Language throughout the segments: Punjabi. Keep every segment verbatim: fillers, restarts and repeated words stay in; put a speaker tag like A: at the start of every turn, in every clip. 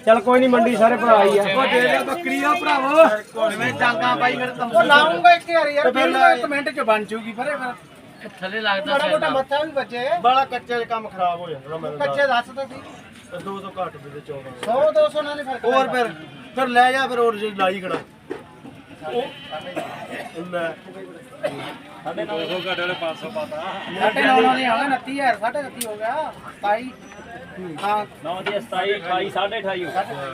A: चल कोई नहीं मंडी सारे भरा ही है
B: ਉਹ ਦੇ ਦੇ ਬੱਕਰੀ ਆ ਭਰਾਵੋ
C: ਕਿਵੇਂ ਡਾਂਗਾ ਪਾਈ ਫਿਰ ਤੰਬੂ
B: ਉਹ ਲਾਉਂਗਾ ਇੱਕ ਯਾਰ ਯਾਰ ਫਿਰ ਕਮੈਂਟ ਚ ਬਣ ਜੂਗੀ ਫਿਰ
C: ਥੱਲੇ ਲੱਗਦਾ
B: ਮਾੜਾ ਮੋਟਾ ਮੱਥਾ ਵੀ ਵੱਜੇ
A: बड़ा कच्चे काम खराब हो जाता मैं
B: ਕੱਚੇ ਦੱਸ ਤਾਂ ਸੀ
A: दो सौ घट भी दे चौदह
B: सौ दो सौ ਨਾਲ ਨਹੀਂ ਫਰਕ
A: और फिर फिर ले जा फिर और जो लाई खड़ा ले
D: साढ़े नौ सौ घटे वाले पाँच सौ पाता
B: ਸਾਢੇ ਨੌ ਨਾਲ ਨਹੀਂ ਆਉਣਾ ਉਨੱਤੀ ਹਜ਼ਾਰ ਸਾਢੇ ਉਨੱਤੀ ਹੋ ਗਿਆ ਸਤਾਈ ਹਾਂ
D: नौ दी सताई अठाई साढ़े अठाई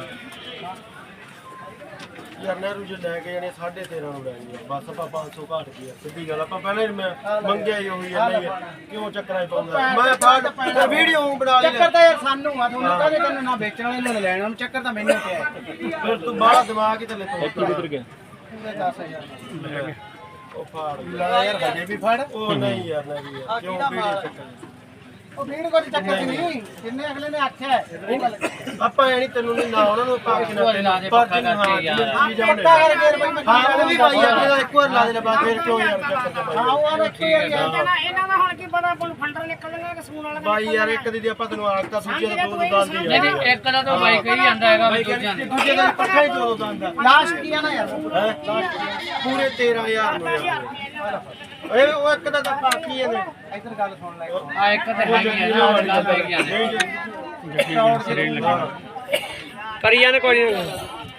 A: यार नहरू जो लेके जाने साढ़े तेरह ਨੂੰ ਲੈਣੀ ਬਸ ਆਪਾਂ पाँच सौ ਘਟ ਗਿਆ ਸਿੱਧੀ ਗੱਲ ਆਪਾਂ ਪਹਿਲਾਂ ਹੀ ਮੈਂ ਮੰਗਿਆ ਹੀ ਹੋਈ ਹੈ ਨਹੀਂ ਕਿਉਂ ਚੱਕਰਾਂ ਹੀ ਪਾਉਂਦਾ ਮੈਂ ਬਾਅਦ ਵੀਡੀਓ ਬਣਾ ਲਈ
B: ਚੱਕਰ ਤਾਂ ਯਾਰ ਸਾਨੂੰ ਆ ਤੁਹਾਨੂੰ ਕਾਹਦੇ ਕੰਨ ਨਾ ਵੇਚਣ ਵਾਲੇ ਨੂੰ ਲੈਣ ਨੂੰ ਚੱਕਰ ਤਾਂ ਮੈਨੂੰ ਪਿਆ
A: ਫਿਰ ਤੂੰ ਬਾਹਲਾ ਦਿਮਾਗ ਹੀ ਥੱਲੇ ਤੋਂ
D: किधर गया
B: ਪੂਰੇ ਦਸ ਹਜ਼ਾਰ
A: ਉਹ ਫਾੜ
B: ਲਾ ਯਾਰ ਹਜੇ ਵੀ ਫੜ
A: ਉਹ ਨਹੀਂ ਯਾਰ ਨਹੀਂ ਯਾਰ ਕਿਉਂ ਵੀਡੀਓ ਚੱਕਰ
B: ਉਹ ਵੀਰ ਕੋਈ ਚੱਕਰ ਨਹੀਂ ਜਿੰਨੇ ਅਗਲੇ ਨੇ ਆਖਿਆ ਉਹ ਗੱਲ
A: ਆਪਾਂ ਐ ਨਹੀਂ ਤੈਨੂੰ ਨਹੀਂ ਨਾ ਉਹਨਾਂ ਨੂੰ ਪਾ ਕੇ ਨਾ ਪੱਕਾ ਕਰਕੇ ਯਾਰ
B: ਪੱਕਾ ਕਰ ਫੇਰ ਬਈ
A: ਹਾਂ ਉਹ ਵੀ ਭਾਈ ਆ ਇੱਕ ਵਾਰ ਲਾ ਦੇ ਬਾਅਦ ਫਿਰ ਕਿਉਂ ਯਾਰ ਚੱਕਰ ਚ
B: ਹਾਂ ਉਹ ਆ ਵੇਖੋ ਯਾਰ
E: ਇਹਨਾਂ ਦਾ ਹੁਣ ਕੀ ਪਤਾ ਕੋਈ ਫੰਡਰ ਨਿਕਲਣਗੇ ਕਿ ਸੂਣ ਵਾਲਾ
A: ਬਾਈ ਯਾਰ ਇੱਕ ਦੀ ਆਪਾਂ ਤੈਨੂੰ ਆਖਤਾ ਦੂਜੇ ਦਾ ਦੋ ਗੱਲ ਦੀ
C: ਨਹੀਂ ਨਹੀਂ ਇੱਕ ਦਾ ਤਾਂ ਬਾਈ ਕਹੀ ਜਾਂਦਾ ਹੈਗਾ ਵੀ ਦੂਜਿਆਂ ਦੇ
A: ਦੂਜੇ ਦਾ ਪੱਠਾ ਹੀ ਦੋ ਦੰਦਾ
B: ਲਾਸਟ ਕੀ ਆ ਨਾ ਯਾਰ
A: ਹੈ ਪੂਰੇ ਤੇਰਾਂ ਹਜ਼ਾਰ ਨੂੰ ਯਾਰ ਓਏ ਉਹ ਇੱਕ ਦਾ ਤਾਂ ਬਾਕੀ ਇਹਨੇ
B: ਇੱਧਰ ਗੱਲ ਸੁਣ ਲੈ
C: ਆ ਇੱਕ ਤੇ ਹੈਗੀ ਆ ਨਾ ਗੱਲ ਪੈ ਗਈ
D: करी जाने कोई नहीं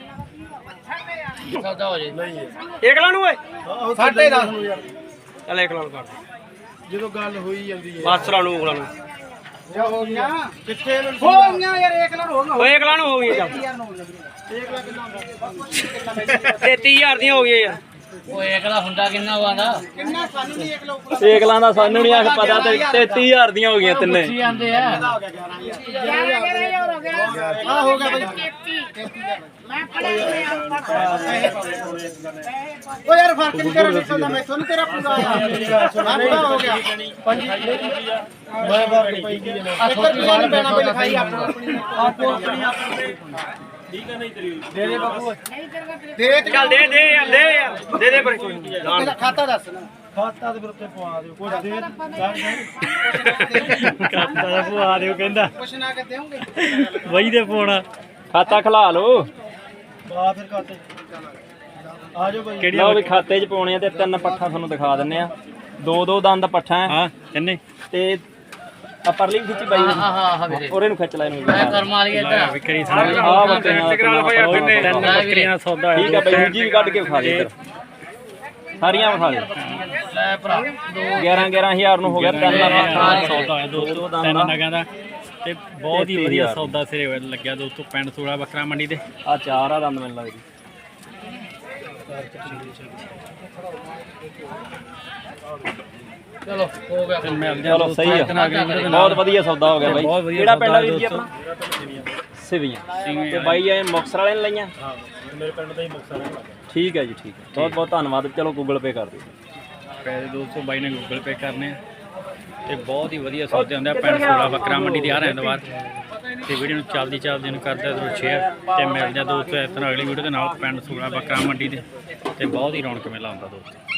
C: ਸੌਦਾ ਹੋ ਜੇ
D: एक लानू है
B: ਸਾਢੇ ਦਸ ਨੂੰ ਯਾਰ
D: चल एक लानू कर
A: ਜਦੋਂ ਗੱਲ ਹੋਈ ਜਾਂਦੀ ਹੈ
D: बस लानू एक लानू
B: ਜਾ ਹੋ ਗਿਆ
A: ਕਿੱਥੇ ਇਹਨੂੰ
B: ਹੋ ਗਿਆ ਯਾਰ ਇੱਕ ਲੱਖ ਹੋ ਗਿਆ
D: वो एक लानू हो गई चल
B: ਯਾਰ ਨੂੰ ਇੱਕ ਲੱਖ ਕਿੰਨਾ ਹੁੰਦਾ
D: तेती हजार दी हो गई यार
C: ਉਹ ਇੱਕ ਦਾ ਹੁੰਦਾ ਕਿੰਨਾ ਵਾਂਦਾ
B: ਕਿੰਨਾ ਸਾਨੂੰ ਨਹੀਂ ਇੱਕ ਲੱਖ
D: एक लाना सानू नहीं आख पता ते तेती हजार दी हो गई तिन्ने
C: ਕੀ ਆਂਦੇ ਆ
B: ਹੋ ਗਿਆ ਗਿਆਰਾਂ ਹਜ਼ਾਰ
E: ਗਿਆਰਾਂ ਗਿਆਰਾਂ ਹਜ਼ਾਰ ਹੋ ਗਿਆ
B: ਆ ਹੋ ਗਿਆ ਬਈ
E: ਤੇਤੀ ਮੈਂ ਪੜਿਆ
B: ਉਹ ਯਾਰ ਫਰਕ ਨਹੀਂ ਤੇਰਾ ਨਿਕਲਦਾ ਮੈਥੋਂ ਨਹੀਂ ਤੇਰਾ ਪੂਰਾ ਆਇਆ ਹੋ ਗਿਆ
A: ਮੈਂ ਬਾਪ ਪਈ ਗਈ ਨੇ
B: ਇੱਧਰ ਵੀ ਨਹੀਂ ਪੈਣਾ ਬਈ ਲਿਖਾਈ ਆਪਣੀ
A: ਆਪੋ ਆਪਣੀ ਆਪਣੀ ਠੀਕ ਹੈ ਨਹੀਂ ਤੇਰੀ
B: ਦੇ ਦੇ ਬਾਬੂ
E: ਨਹੀਂ ਕਰਦਾ
B: ਦੇ ਤੇ
D: चल दे दे यार दे यार दे दे पर कोई नहीं
B: ਇਹਦਾ ਖਾਤਾ ਦੱਸ ਨਾ
A: ਖਾਤਾ ਦੇ ਉੱਤੇ ਪਵਾ ਦਿਓ ਕੁਝ ਦੇ
D: खाता दा पवा दियो कहंदा
B: ਕੁਛ ਨਾ ਕੇ ਦੇਉਂਗੇ
D: वही दे पाना खाता खिला लो
A: ਬਾ ਫਿਰ ਖਾਤੇ ਆ ਜਾਓ ਭਾਈ
D: ਲਓ ਵੀ ਖਾਤੇ 'ਚ ਪਾਉਣੇ ਆ ਤੇ ਤਿੰਨ ਪੱਠਾ ਤੁਹਾਨੂੰ ਦਿਖਾ ਦਿੰਨੇ ਆ ਦੋ ਦੋ ਦੰਦ ਪੱਠਾ ਹਾਂ ਕਿੰਨੇ ਤੇ ਆ ਪਰਲੀ ਖਿੱਚੀ ਬਾਈ
C: ਹਾਂ ਹਾਂ ਹਾਂ ਵੀਰੇ
D: ਉਹਰੇ ਨੂੰ ਖਿੱਚ ਲੈ ਇਹਨੂੰ
C: ਮੈਂ ਕਰਮ ਵਾਲੀ ਇੱਧਰ
D: ਵਿਕਰੀ ਸਾਰਾ ਆ ਬੱਕਰੀਆਂ ਤਿੰਨ ਬੱਕਰੀਆਂ ਦਾ ਸੌਦਾ ਠੀਕ ਆ ਬਾਈ ਦੂਜੀ ਵੀ ਕੱਢ ਕੇ ਵਿਖਾ ਦੇ ਇੱਧਰ ਸਾਰੀਆਂ ਵਿਖਾ ਦੇ
C: ਲੈ ਭਰਾ
D: ਗਿਆਰਾਂ ਗਿਆਰਾਂ ਹਜ਼ਾਰ ਨੂੰ ਹੋ ਗਿਆ ਤਿੰਨ ਪੱਠਾ ਦਾ
F: ਸੌਦਾ ਹੋਇਆ ਦੋਸਤੋ ਤਿੰਨ ਨਗਾਂ ਦਾ ਤੇ ਬਹੁਤ ਹੀ ਵਧੀਆ ਸੌਦਾ ਸਿਰੇ ਲੱਗਿਆ ਦੋਸਤੋ ਪਿੰਡ ਸੂੜਾ ਬੱਕਰਾ ਮੰਡੀ ਦੇ
D: ਆ ਚਾਰ ਆ ਦੰਦ ਮੈਨੂੰ ਲੱਗਦੀ
C: ਚਲੋ ਹੋ ਗਿਆ
F: ਤੇ ਮਿਲ ਜਾ
D: ਚਲੋ ਸਹੀ ਆ ਬਹੁਤ ਵਧੀਆ ਸੌਦਾ ਹੋ ਗਿਆ ਬਾਈ
F: ਬਹੁਤ ਵਧੀਆ
D: ਕਿਹੜਾ ਪਿੰਡ ਆ
F: ਸੌਦਾ
D: ਵੀਰ ਜੀ ਆਪਣਾ ਸਿਵੀਆਂ ਤੇ ਬਾਈ ਇਹ ਮੁਕਤਸਰ ਵਾਲੇ ਨੇ ਲਈਆਂ
A: ਹਾਂ ਮੇਰੇ ਪਿੰਡ ਦਾ ਹੀ ਮੁਕਤਸਰ ਹੈ
D: ਠੀਕ ਹੈ ਜੀ ਠੀਕ ਹੈ ਬਹੁਤ ਬਹੁਤ ਧੰਨਵਾਦ ਚਲੋ ਗੂਗਲ ਪੇ ਕਰ ਦਿਓ
F: ਪੈਸੇ ਦੋਸਤੋ ਬਾਈ ਨੇ ਗੂਗਲ ਪੇ ਕਰਨੇ ਆ ਤੇ ਬਹੁਤ ਹੀ ਵਧੀਆ ਸੌਦੇ ਹੁੰਦੇ ਆ ਪਿੰਡ ਸੂੜਾ ਬੱਕਰਾ ਮੰਡੀ ਦੇ ਹਰ ਐਤਵਾਰ ਤੇ ਵੀਡੀਓ ਨੂੰ ਚੱਲਦੀ ਚੱਲਦੀ ਨੂੰ ਕਰਦਾ ਜ਼ਰੂਰ ਸ਼ੇਅਰ ਤੇ ਮਿਲ ਜਾ ਦੋਸਤੋ ਇਸ ਤਰ੍ਹਾਂ ਅਗਲੀ ਵੀਡੀਓ ਦੇ ਨਾਲ ਪਿੰਡ ਸੂੜਾ ਬੱਕਰਾ ਮੰਡੀ ਦੇ ਤੇ ਬਹੁਤ ਹੀ ਰੌਣਕ ਮੇਲਾ ਹੁੰਦਾ ਦੋਸਤੋ।